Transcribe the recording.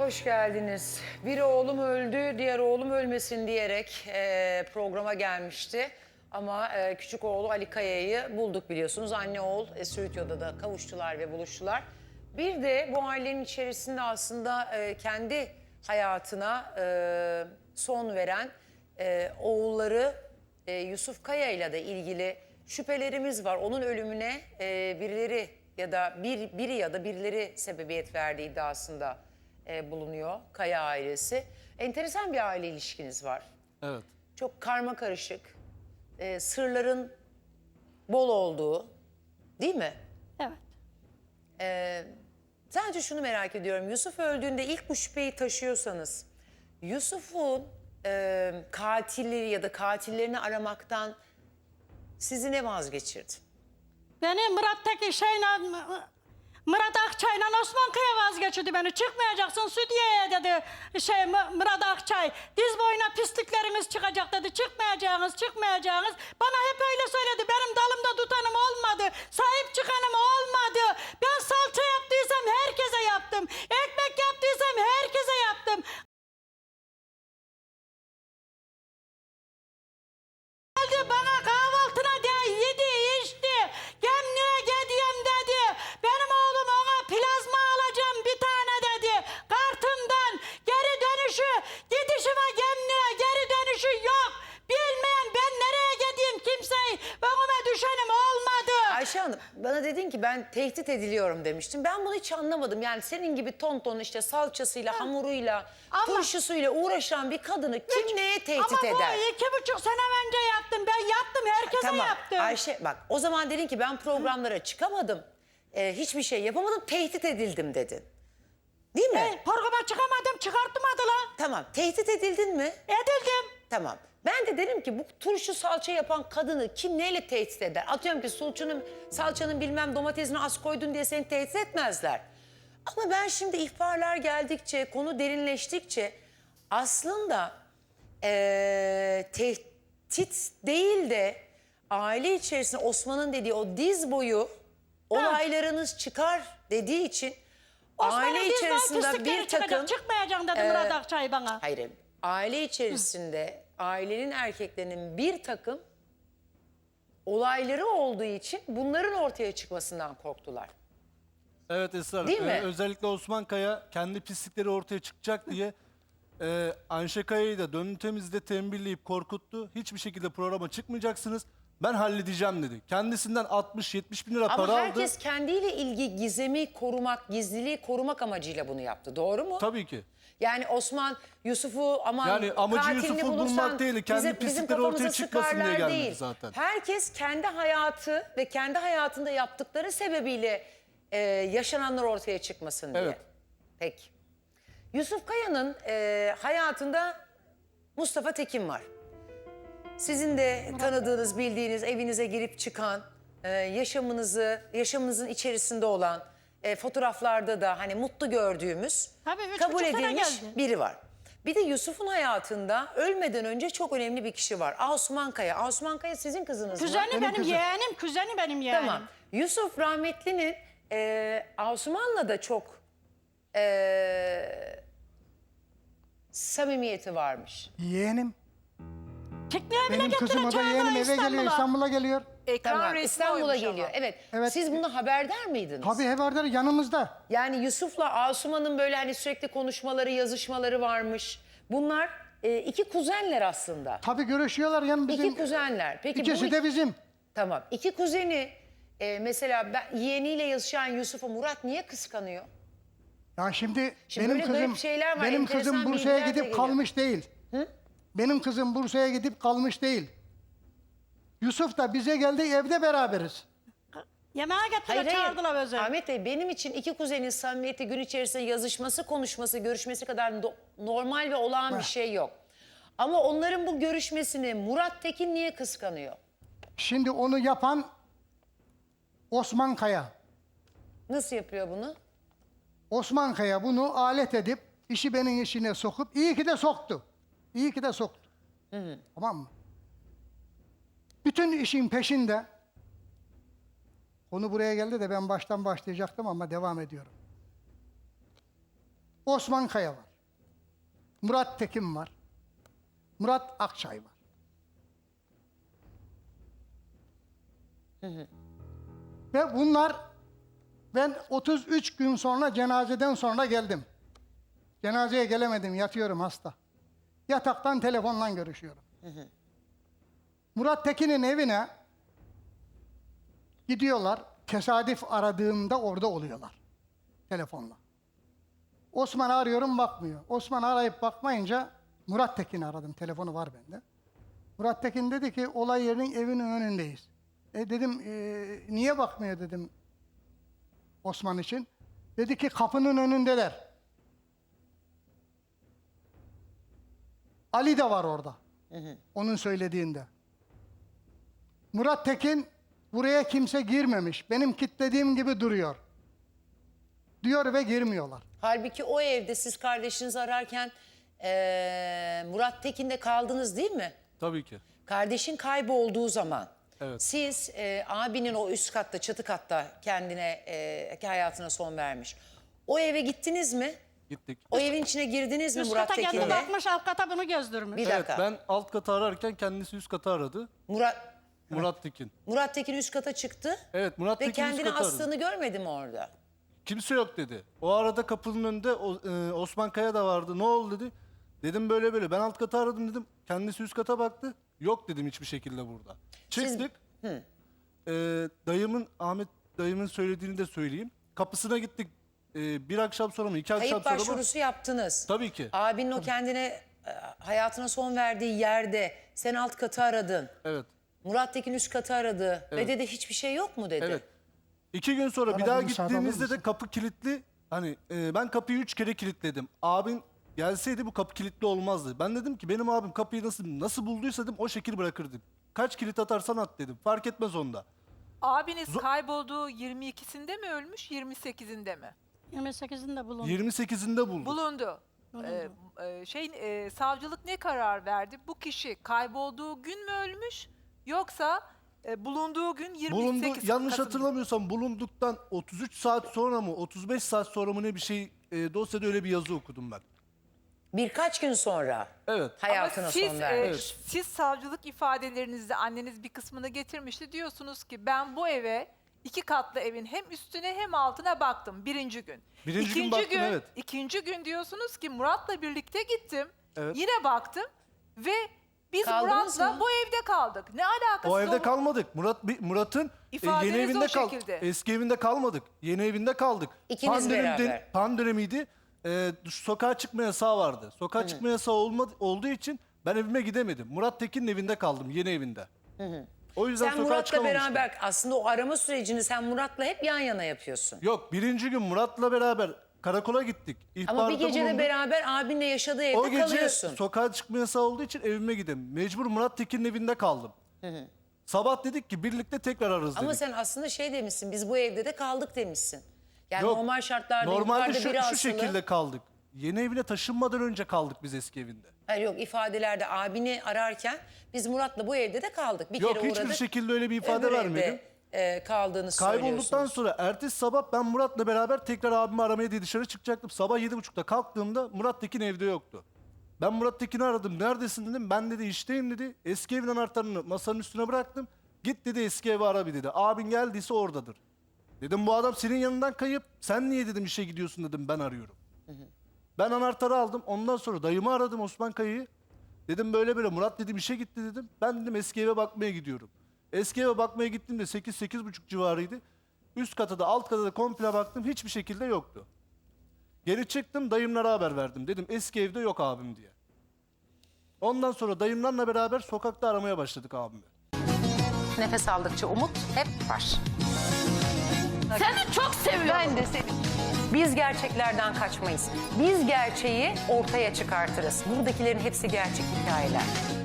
hoş geldiniz. Bir oğlum öldü, diğer oğlum ölmesin diyerek programa gelmişti. Ama küçük oğlu Ali Kaya'yı bulduk biliyorsunuz. Anne oğul stüdyoda da kavuştular ve buluştular. Bir de bu ailenin içerisinde aslında kendi hayatına son veren oğulları Yusuf Kaya ile de ilgili şüphelerimiz var. Onun ölümüne birileri ya da birileri sebebiyet verdiği iddiasında bulunuyor Kaya ailesi. Enteresan bir aile ilişkiniz var. Evet. Çok karma karışık, sırların bol olduğu, değil mi? Evet. Sadece şunu merak ediyorum. Yusuf öldüğünde ilk bu şüpheyi taşıyorsanız, Yusuf'un katilleri ya da katillerini aramaktan sizi ne vazgeçirdi? Beni Murat Akçay'la Osman Kaya vazgeçirdi beni. Çıkmayacaksın stüdyoya dedi Murat Akçay. Diz boyuna pislikleriniz çıkacak dedi. Çıkmayacaksınız. Bana hep öyle söyledi. Benim dalımda tutanım olmadı. Sahip çıkanım olmadı. Ben salça yaptıysam herkese yaptım. Ekmek yaptıysam herkese yaptım. Geldi bana kahvaltına yedi içti. Gemliğe gidiyorum dedi. Benim oğlum ona plazma alacağım bir tane dedi. Kartımdan geri dönüşü gidişi ve gemliğe geri dönüşü yok. Bilmeyen ben nereye gideyim kimseyi önüme düşenim olmadı. Ayşe Hanım, bana dedin ki ben tehdit ediliyorum demiştin. Ben bunu hiç anlamadım. Yani senin gibi ton işte salçasıyla, hamuruyla, turşusuyla uğraşan bir kadını kim neye tehdit eder? Ama bu 2,5 sene önce yaptım. Ben yaptım, herkese Tamam yaptım. Ayşe bak o zaman dedin ki ben programlara çıkamadım. Hiçbir şey yapamadım, tehdit edildim dedin. Değil mi? Programa çıkamadım, çıkartmadılar. Tamam, tehdit edildin mi? Edildim. Tamam. Ben de dedim ki bu turşu salça yapan kadını kim neyle tehdit eder? Atıyorum ki salçanın bilmem domatesini az koydun diye seni tehdit etmezler. Ama ben şimdi ihbarlar geldikçe, konu derinleştikçe aslında tehdit değil de aile içerisinde Osman'ın dediği o diz boyu olaylarınız çıkar dediği için aile içerisinde bir takım... Çıkmayacağım dedi Murat Akçay bana. Hayır, aile içerisinde ailenin erkeklerinin bir takım olayları olduğu için bunların ortaya çıkmasından korktular. Evet Esra Hanım. Değil mi? Özellikle Osman Kaya kendi pislikleri ortaya çıkacak diye Ayşe Kaya'yı da Dönün Temiz'de tembihleyip korkuttu. Hiçbir şekilde programa çıkmayacaksınız. Ben halledeceğim dedi. Kendisinden 60-70 bin lira Ama para aldı. herkes kendiyle ilgili gizliliği korumak amacıyla bunu yaptı. Doğru mu? Tabii ki. Yani Osman, Yusuf'u Yani amacı katilini Yusuf'u bulursan bulmak değil, kendi bizim pislikleri ortaya kafamıza çıkmasın diye sıkarlar gelmedi değil. zaten. Herkes kendi hayatı ve kendi hayatında yaptıkları sebebiyle yaşananlar ortaya çıkmasın diye. Evet. Peki. Yusuf Kaya'nın hayatında Mustafa Tekin var. Sizin de tanıdığınız, bildiğiniz, evinize girip çıkan, yaşamınızın içerisinde olan, fotoğraflarda da hani mutlu gördüğümüz, Tabii, 3,5 kabul sene edilmiş geldi. biri var. Bir de Yusuf'un hayatında ölmeden önce çok önemli bir kişi var. Asuman Kaya. Asuman Kaya sizin kızınız mı? Kuzeni benim yeğenim, kuzeni benim yeğenim. Tamam. Yusuf rahmetlinin Asuman'la da çok samimiyeti varmış. Yeğenim. Pikniğe bile Benim kızım o da götüreceğim yeğenim eve geliyor, İstanbul'a geliyor. Tamam, İstanbul'a geliyor. Evet. Evet. Siz bundan haberdar mıydınız? Tabii haberdar yanımızda. Yani Yusuf'la Asuman'ın böyle hani sürekli konuşmaları, yazışmaları varmış. Bunlar iki kuzenler aslında. Tabii görüşüyorlar yani bizim. İki kuzenler. Peki İkisi de bizim. Tamam. İki kuzeni mesela yeğeniyle yazışan Yusuf'u Murat niye kıskanıyor? Ya şimdi Şimdi benim böyle garip kızım şeyler var, benim enteresan kızım Bursa'ya bilgiler de gidip geliyor. kalmış değil. Hı? Benim kızım Bursa'ya gidip kalmış değil. Yusuf da bize geldi, evde beraberiz. Yemeğe getirdiler, çağırdılar özel. Ahmet Bey, benim için iki kuzenin samimiyeti gün içerisinde yazışması, konuşması, görüşmesi kadar normal ve olağan bir şey yok. Ama onların bu görüşmesini Murat Tekin niye kıskanıyor? Şimdi onu yapan Osman Kaya. Nasıl yapıyor bunu? Osman Kaya bunu alet edip işi benim işine sokup iyi ki de soktu. İyi ki de soktu. Tamam mı? Bütün işin peşinde. Konu buraya geldi de ben baştan başlayacaktım ama devam ediyorum. Osman Kaya var. Murat Tekin var. Murat Akçay var. Ve bunlar, ben 33 gün sonra cenazeden sonra geldim. Cenazeye gelemedim, yatıyorum hasta. Yataktan telefonla görüşüyorum. Murat Tekin'in evine gidiyorlar. Tesadüf aradığımda orada oluyorlar. Telefonla. Osman arıyorum, bakmıyor. Osman arayıp bakmayınca Murat Tekin'i aradım. Telefonu var bende. Murat Tekin dedi ki olay yerinin evinin önündeyiz. Dedim niye bakmıyor dedim Osman için. Dedi ki kapının önündeler. Ali de var orada. Onun söylediğinde. Murat Tekin buraya kimse girmemiş. Benim kilitlediğim gibi duruyor. Diyor ve girmiyorlar. Halbuki o evde siz kardeşinizi ararken Murat Tekin'de kaldınız değil mi? Tabii ki. Kardeşin kaybolduğu zaman Evet. siz abinin o üst katta, çatı katta kendine hayatına son vermiş. O eve gittiniz mi? Gittik. O evin içine girdiniz mi Üst Murat kata kendi Tekin'le? bakmış, alt kata bunu gezdirmiş. Bir Evet, dakika. ben alt katı ararken kendisi üst katı aradı. Murat Tekin. Murat Tekin üst kata çıktı Evet, Murat ve Tekin üst kendini katı aradı. astığını görmedi mi orada? Kimse yok dedi. O arada kapının önünde Osman Kaya da vardı. Ne oldu dedi. Dedim böyle böyle. Ben alt katı aradım dedim. Kendisi üst kata baktı. Yok dedim hiçbir şekilde burada. Çıktık. Ahmet dayımın söylediğini de söyleyeyim. Kapısına gittik. Bir akşam sonra mı? 2 akşam Kayıp sonra mı? başvurusu yaptınız. Tabii ki. Abinin o kendine hayatına son verdiği yerde sen alt katı aradın. Evet. Murat Tekin üst katı aradı ve dedi hiçbir şey yok mu dedi. Evet. 2 gün sonra bir Bana daha bir müsaade alır gittiğimizde de mısın? kapı kilitli. Hani ben kapıyı 3 kere kilitledim. Abin gelseydi bu kapı kilitli olmazdı. Ben dedim ki benim abim kapıyı nasıl bulduysa dedim o şekil bırakırdım. Kaç kilit atarsan at dedim. Fark etmez onda. Abiniz kaybolduğu 22'sinde mi ölmüş, 28'inde mi? 28'inde bulundu. 28'inde buldum. Bulundu. Savcılık ne karar verdi? Bu kişi kaybolduğu gün mü ölmüş yoksa bulunduğu gün 28 Bulundu. Yanlış Kasım- hatırlamıyorsam bulunduktan 33 saat sonra mı 35 saat sonra mı ne bir şey dosyada öyle bir yazı okudum ben. Birkaç gün sonra Evet. hayatına Ama siz, son vermiş. siz savcılık ifadelerinizde anneniz bir kısmını getirmişti. Diyorsunuz ki ben bu eve 2 katlı evin hem üstüne hem altına baktım birinci gün. Birinci gün baktım, evet. İkinci gün diyorsunuz ki Murat'la birlikte gittim. Evet. Yine baktım ve biz Kaldınız Murat'la mı? bu evde kaldık. Ne alakası O evde olur? kalmadık. Murat'ın İfadeniz yeni evinde o şekilde. Eski evinde kalmadık. Yeni evinde kaldık. İkiniz beraber. Pan dönemiydi. Sokağa çıkma yasağı vardı. Sokağa çıkma yasağı olduğu için ben evime gidemedim. Murat Tekin'in evinde kaldım. Yeni evinde. O yüzden Sen sokağa Murat'la çıkamamıştım. beraber aslında o arama sürecini sen Murat'la hep yan yana yapıyorsun. Yok, birinci gün Murat'la beraber karakola gittik. Ama İhbarda bir gece de bulunduk. beraber abinle yaşadığı evde O gece kalıyorsun. sokağa çıkma yasağı olduğu için evime gidem. Mecbur Murat Tekin'in evinde kaldım. Sabah dedik ki birlikte tekrar ararız dedik. Ama sen aslında şey demişsin, biz bu evde de kaldık demişsin. Yani Yok, normal şartlarda normalde yukarıda biri şu asılı. şekilde kaldık. Yeni evine taşınmadan önce kaldık biz eski evinde. Hayır yok, ifadelerde abini ararken biz Murat'la bu evde de kaldık. Bir Yok, kere hiçbir uğradık. şekilde öyle bir ifade öbür vermedim. evde, kaldığını Kaybolduktan söylüyorsunuz. sonra ertesi sabah ben Murat'la beraber tekrar abimi aramaya diye dışarı çıkacaktım. Sabah 7.30'da kalktığımda Murat Tekin evde yoktu. Ben Murat Tekin'i aradım. Neredesin dedim. Ben dedi işteyim dedi. Eski evin anahtarını masanın üstüne bıraktım. Git dedi eski evi ara bir dedi. Abin geldiyse oradadır. Dedim bu adam senin yanından kayıp. Sen niye dedim işe gidiyorsun dedim, ben arıyorum. Ben anahtarı aldım. Ondan sonra dayımı aradım, Osman Kaya'yı. Dedim böyle böyle Murat dedim işe gitti dedim. Ben dedim eski eve bakmaya gidiyorum. Eski eve bakmaya gittiğimde 8-8.30 civarıydı. Üst kata da alt kata da komple baktım. Hiçbir şekilde yoktu. Geri çıktım, dayımlara haber verdim. Dedim eski evde yok abim diye. Ondan sonra dayımlarla beraber sokakta aramaya başladık abimi. Nefes aldıkça umut hep var. Seni çok seviyorum. Ben de seni. Biz gerçeklerden kaçmayız. Biz gerçeği ortaya çıkartırız. Buradakilerin hepsi gerçek hikayeler.